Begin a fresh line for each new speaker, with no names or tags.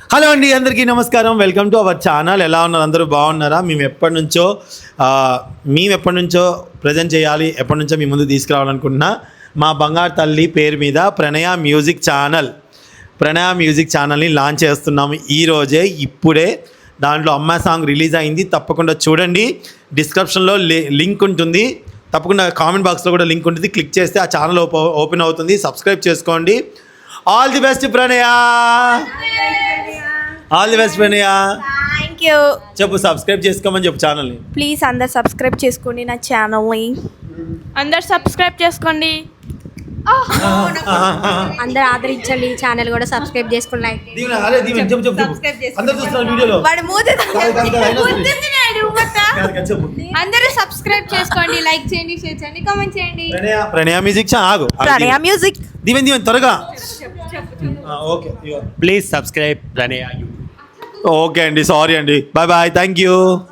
Hello అండి, అందరికీ నమస్కారం. Welcome to our channel. ఎలా ఉన్నారు? అందరూ బాగున్నారా? మేము ఎప్పటి నుంచో ప్రజెంట్ చేయాలి, ఎప్పటి నుంచో మీ ముందు తీసుకురావాలనుకుంటున్నా మా బంగారు తల్లి పేరు మీద ప్రణయ మ్యూజిక్ ఛానల్ని లాంచ్ చేస్తున్నాము ఈరోజే, ఇప్పుడే. దాంట్లో అమ్మ సాంగ్ రిలీజ్ అయింది, తప్పకుండా చూడండి. డిస్క్రిప్షన్లో లింక్ ఉంటుంది, తప్పకుండా కామెంట్ బాక్స్లో కూడా లింక్ ఉంటుంది. క్లిక్ చేస్తే ఆ ఛానల్ ఓపెన్ అవుతుంది. సబ్స్క్రైబ్ చేసుకోండి. All the best Pranaya. All the best Pranaya.
Thank you.
చెప్పు, సబ్స్క్రైబ్ చేసుకోమని చెప్పు ఛానల్ని.
ప్లీజ్ అందరు సబ్స్క్రైబ్ చేసుకోండి నా ఛానల్ని.
అందరు సబ్స్క్రైబ్ చేసుకోండి.
అందరు ఆదరించండి, ఛానల్ కూడా సబ్స్క్రైబ్ చేసుకోండి. లైక్
అందరూ సబ్స్క్రైబ్ చేసుకోండి, లైక్ చేయండి, షేర్ చేయండి, కామెంట్ చేయండి.
ప్రణయ మ్యూజిక్
ప్రణయ మ్యూజిక్.
దీవెన్ త్వరగా. Okay,
please subscribe Pranaya.
Okay అండి, సారీ అండి. Bye bye, thank you.